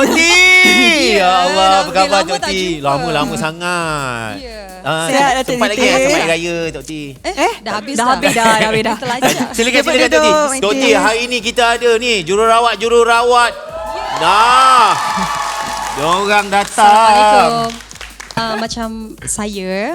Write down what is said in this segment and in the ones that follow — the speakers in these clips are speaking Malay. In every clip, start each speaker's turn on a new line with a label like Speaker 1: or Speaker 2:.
Speaker 1: Tok T. Ya Allah, apa khabar
Speaker 2: lama
Speaker 1: Tok
Speaker 2: tak
Speaker 1: T?
Speaker 2: jumpa.
Speaker 1: Lama sempat.
Speaker 3: Sihat, Datuk
Speaker 1: Sempat
Speaker 3: T.
Speaker 1: lagi sambut hari raya Tok T.
Speaker 2: Dah habis
Speaker 3: dah.
Speaker 2: Terlajak.
Speaker 1: Silakan
Speaker 3: Dapat
Speaker 1: Tok T.
Speaker 3: duduk,
Speaker 1: Tok T,
Speaker 3: Aunty.
Speaker 1: hari ni kita ada ni jururawat. Diorang datang.
Speaker 2: Assalamualaikum. Macam saya,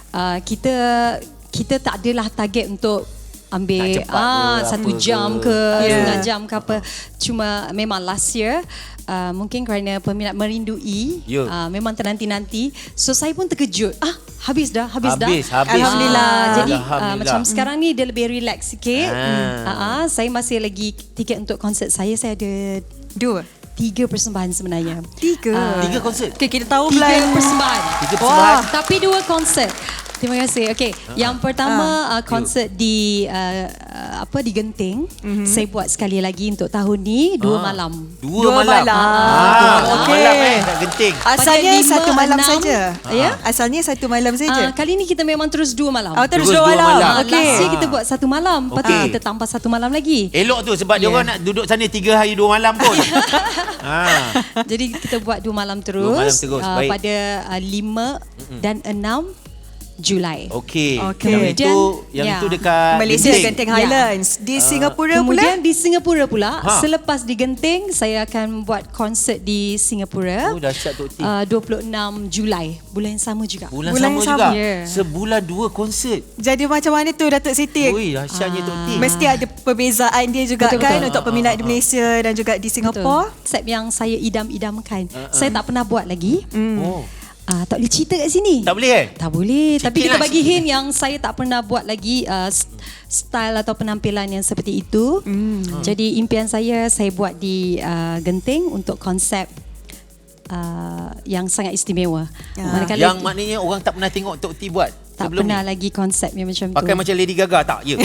Speaker 2: kita tak adalah target untuk ambil
Speaker 1: Nak cepat ke,
Speaker 2: 1
Speaker 1: apa
Speaker 2: jam
Speaker 1: ke.
Speaker 2: ke, setengah jam ke apa. Cuma memang last year, mungkin kerana peminat merindui, memang ternanti-nanti. So saya pun terkejut. Habis dah.
Speaker 1: Habis.
Speaker 3: Alhamdulillah.
Speaker 2: Jadi
Speaker 1: Alhamdulillah.
Speaker 2: macam sekarang ni dia lebih relax sikit. Saya masih lagi tiket untuk konsert saya. Saya ada 3 persembahan sebenarnya.
Speaker 1: 3 konsert.
Speaker 3: Okay, kita tahu
Speaker 2: 3
Speaker 3: Belan.
Speaker 2: persembahan.
Speaker 1: 3 persembahan.
Speaker 2: Tapi 2 konsert. Terima kasih. Okey, yang pertama konsert di di Genting. Saya buat sekali lagi untuk tahun ni 2 malam.
Speaker 1: 2 malam.
Speaker 3: Okey.
Speaker 1: Malam tak Genting.
Speaker 3: Asalnya
Speaker 2: Pada
Speaker 3: 1 malam
Speaker 2: 5,
Speaker 3: saja.
Speaker 2: 6, ya?
Speaker 3: Asalnya 1 malam saja.
Speaker 2: Kali ni kita memang terus 2 malam.
Speaker 3: Terus
Speaker 1: Terus
Speaker 3: 2
Speaker 1: dua
Speaker 3: malam.
Speaker 1: malam.
Speaker 3: Okey.
Speaker 2: Last year kita buat 1 malam. Lepas tu
Speaker 1: Okey.
Speaker 2: kita tambah 1 malam lagi.
Speaker 1: Elok tu sebab diorang nak duduk sana 3 hari 2 malam pun.
Speaker 2: Jadi kita buat 2 malam terus.
Speaker 1: 2 malam terus, baik.
Speaker 2: Pada 5 dan 6 Julai.
Speaker 1: Okey.
Speaker 2: Kemudian,
Speaker 1: yang itu dekat
Speaker 3: Malaysia
Speaker 1: Genting.
Speaker 3: Genting Highlands. Di Singapura
Speaker 2: Kemudian
Speaker 3: pula.
Speaker 2: di Singapura pula, selepas di Genting, saya akan buat konsert di Singapura.
Speaker 1: Dahsyat Tok T.
Speaker 2: 26 Julai, bulan yang sama juga.
Speaker 1: Bulan
Speaker 3: Bulan
Speaker 1: sama
Speaker 3: sama.
Speaker 1: juga.
Speaker 2: Ya.
Speaker 1: Sebulan 2 konsert.
Speaker 3: Jadi macam mana tu Datuk Siti?
Speaker 1: Ui, dahsyatnya Tok T.
Speaker 3: Mesti ada perbezaan dia juga
Speaker 2: Betul,
Speaker 3: kan
Speaker 2: betul.
Speaker 3: untuk peminat di Malaysia dan juga di Singapura.
Speaker 2: Konsep yang saya idam-idamkan. Saya tak pernah buat lagi.
Speaker 1: Oh.
Speaker 2: Tak boleh cerita kat sini.
Speaker 1: Tak boleh
Speaker 2: Tak boleh. Tapi
Speaker 1: Sikit
Speaker 2: kita
Speaker 1: lah,
Speaker 2: bagi
Speaker 1: sikit.
Speaker 2: hint yang saya tak pernah buat lagi style atau penampilan yang seperti itu. Jadi impian saya buat di Genting untuk konsep yang sangat istimewa. Manakala
Speaker 1: Yang maknanya orang tak pernah tengok Tok T buat
Speaker 2: tak
Speaker 1: sebelum
Speaker 2: pernah
Speaker 1: ni.
Speaker 2: lagi konsep yang macam
Speaker 1: Pakai
Speaker 2: tu.
Speaker 1: macam Lady Gaga tak? Ya.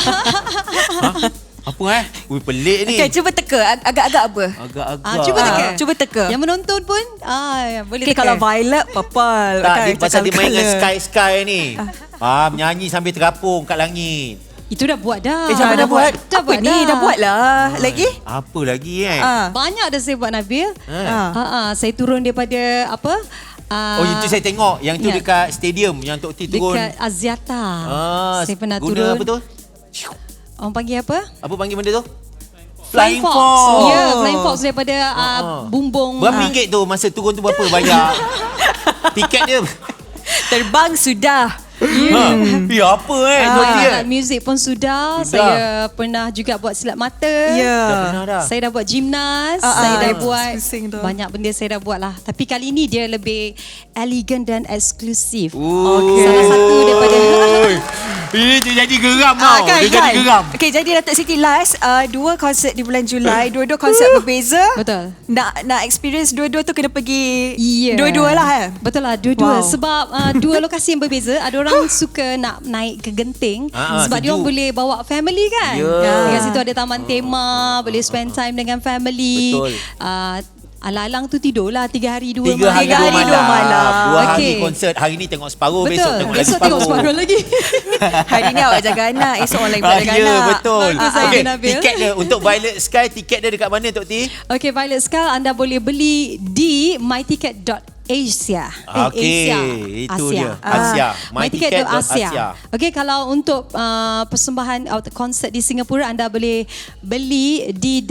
Speaker 1: Apa Ui, pelik ni.
Speaker 3: Okay, cuba teka. Agak-agak apa?
Speaker 1: Agak-agak.
Speaker 2: Cuba teka.
Speaker 3: Cuba teka.
Speaker 2: Yang menonton pun boleh
Speaker 3: Okay,
Speaker 2: teka.
Speaker 3: kalau violet, purple.
Speaker 1: Tak,
Speaker 3: kan,
Speaker 1: dia pasal dia main dengan
Speaker 3: colour.
Speaker 1: sky ni. Menyanyi sambil terapung kat langit.
Speaker 2: Itu dah buat dah.
Speaker 3: Jangan dah buat.
Speaker 2: Dah
Speaker 3: Apa
Speaker 2: buat
Speaker 3: ni?
Speaker 2: dah.
Speaker 3: Dah buat lah. Lagi?
Speaker 1: Apa lagi
Speaker 2: Banyak dah saya buat, Nabil. Saya turun daripada
Speaker 1: Oh, itu saya tengok. Yang tu
Speaker 2: ya.
Speaker 1: dekat stadium yang Tok T turun.
Speaker 2: dekat Aziata. Saya pernah
Speaker 1: guna
Speaker 2: turun.
Speaker 1: apa tu?
Speaker 2: Orang panggil apa?
Speaker 1: Apa panggil benda tu?
Speaker 2: Flying Fox. Ya, Flying Fox daripada bumbung.
Speaker 1: Berapa ringgit tu masa turun tu berapa bayar? Tiket dia.
Speaker 3: Terbang sudah.
Speaker 1: Ya apa Tok T
Speaker 2: Alat muzik pun sudah. Saya pernah juga buat silat mata.
Speaker 3: Ya.
Speaker 1: Dah pernah dah.
Speaker 2: Saya dah buat gymnas. Saya dah buat
Speaker 3: pusing tu.
Speaker 2: banyak benda saya dah buat lah. Tapi kali ni dia lebih elegan dan eksklusif.
Speaker 1: Okay.
Speaker 2: Salah satu daripada
Speaker 1: Ini dia jadi geram tau. Dia jadi geram.
Speaker 3: Okay, jadi Datuk Siti last 2 konsert di bulan Julai, dua-dua konsert berbeza.
Speaker 2: Betul.
Speaker 3: Nak experience dua-dua tu kena pergi
Speaker 2: Yeah.
Speaker 3: dua-dua lah.
Speaker 2: Betul lah, dua-dua.
Speaker 3: Wow.
Speaker 2: Sebab 2 lokasi yang berbeza. Ada orang suka nak naik ke Genting sebab dia
Speaker 1: sejuk.
Speaker 2: orang boleh bawa family kan.
Speaker 1: Ya.
Speaker 2: Dekat situ ada taman tema, boleh spend time dengan family.
Speaker 1: Betul.
Speaker 2: Alang-alang tu tidurlah 3 hari 2
Speaker 1: 3 hari 2
Speaker 3: hari,
Speaker 1: malam.
Speaker 3: dua malam.
Speaker 1: 2 hari
Speaker 2: Okey.
Speaker 1: konsert. Hari ni tengok separuh,
Speaker 2: Betul.
Speaker 1: besok tengok lagi
Speaker 2: Besok tengok separuh lagi.
Speaker 3: Hari ni awak jaga anak, esok orang lain pula jaga
Speaker 1: Ya,
Speaker 3: anak.
Speaker 1: betul.
Speaker 2: Bagus saya,
Speaker 1: Okey,
Speaker 2: Nabil.
Speaker 1: tiket dia untuk Violet Sky, tiket dia dekat mana Tok T?
Speaker 2: Okay, Violet Skull anda boleh beli di myticket.asia.
Speaker 1: Okey, itu dia. Asia.
Speaker 2: myticket.asia. Okey, kalau untuk persembahan konsert di Singapura anda boleh beli di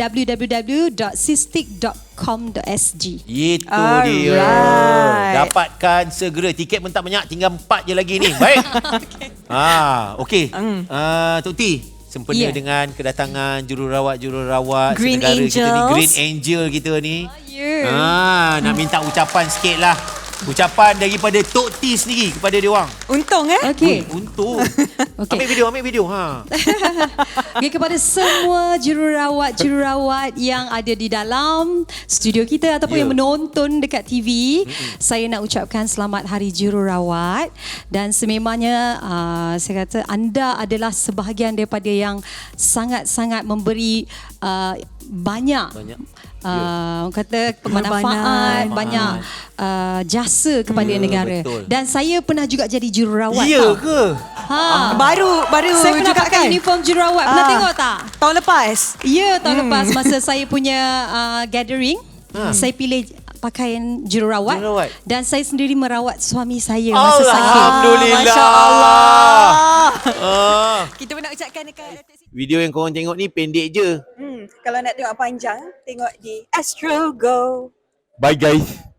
Speaker 2: www.sistik.com.sg.
Speaker 1: Itu
Speaker 3: Alright.
Speaker 1: dia. Dapatkan segera. Tiket pun tak banyak, tinggal 4 je lagi ni. Baik. Okey. Tok T, sempena dengan kedatangan jururawat
Speaker 3: Green
Speaker 1: senegara kita ni,
Speaker 3: Angels.
Speaker 1: Green Angel kita ni.
Speaker 2: Ya.
Speaker 1: Nak minta ucapan sikit lah. Ucapan daripada Tok T sendiri kepada dia orang.
Speaker 3: Untung
Speaker 2: Okey.
Speaker 1: Untuk.
Speaker 2: Okey.
Speaker 1: Ambil video.
Speaker 2: Okay, kepada semua jururawat yang ada di dalam studio kita ataupun yang menonton dekat TV, saya nak ucapkan selamat Hari Jururawat dan sememangnya saya kata anda adalah sebahagian daripada yang sangat-sangat memberi banyak. Orang kata manfaat, banyak jasa kepada negara.
Speaker 1: Betul.
Speaker 2: Dan saya pernah juga jadi jururawat.
Speaker 1: Ya
Speaker 2: tau.
Speaker 1: ke?
Speaker 3: Baru
Speaker 2: Saya pernah
Speaker 3: juga
Speaker 2: pakai
Speaker 3: kan?
Speaker 2: uniform jururawat. Pernah tengok tak?
Speaker 3: Tahun lepas.
Speaker 2: Ya, tahun lepas masa saya punya gathering. Saya pilih pakaian jururawat.
Speaker 1: Jururawat.
Speaker 2: Dan saya sendiri merawat suami saya masa sakit.
Speaker 1: Alhamdulillah.
Speaker 3: Masya Allah.
Speaker 1: Ah.
Speaker 3: Kita pun nak ucapkan dekat Datuk Siti.
Speaker 1: Video yang korang tengok ni pendek je.
Speaker 3: Kalau nak tengok panjang, tengok di Astro Go.
Speaker 1: Bye guys.